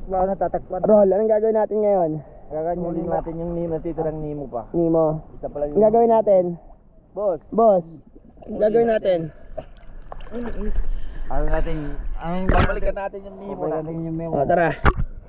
Wala natatakpan. Roll, anong gagawin natin ngayon? Gaganyanin natin yung natitirang Nemo pa. Nemo. Isa pala Ang gagawin natin? Boss. Boss, ang gagawin natin? Babalikan natin yung Nemo na. Yung Nemo. O, tara.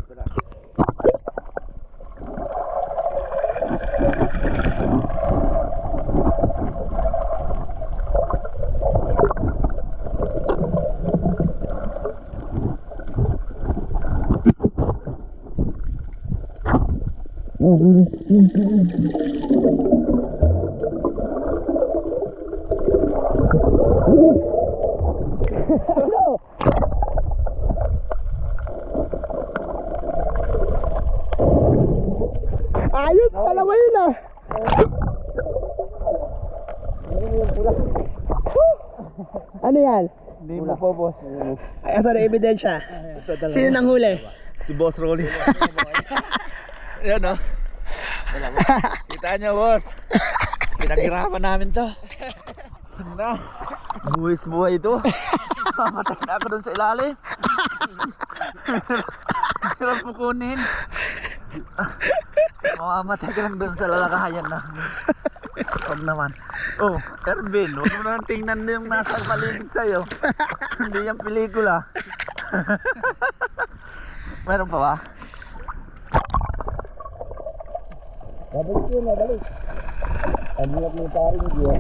Ayos, dalawa yun ah. Ano yan? Nemo po, boss. Ay, asa na ebidensya? Sino nang huli? Si Boss Rolly. Ayan o. Kita niyo, boss. Pinaghirapan namin to. Na. Buwis-buhay ito. Mamatay na ako dun sa ilalim. Hirap mo kunin. Mamamatay ka lang dun sa lalakahayan namin. Huwag naman. Oh, Ervin, huwag mo naman tingnan yung nasa paligid sa'yo. Hindi yung pelikula. Meron pa ba? Babalik yun, babalik. Ang hirap ng paring yun.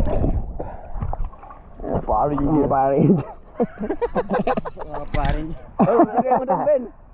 Paring yun. Paring. Paring. Oh, lagay mo na, Ben.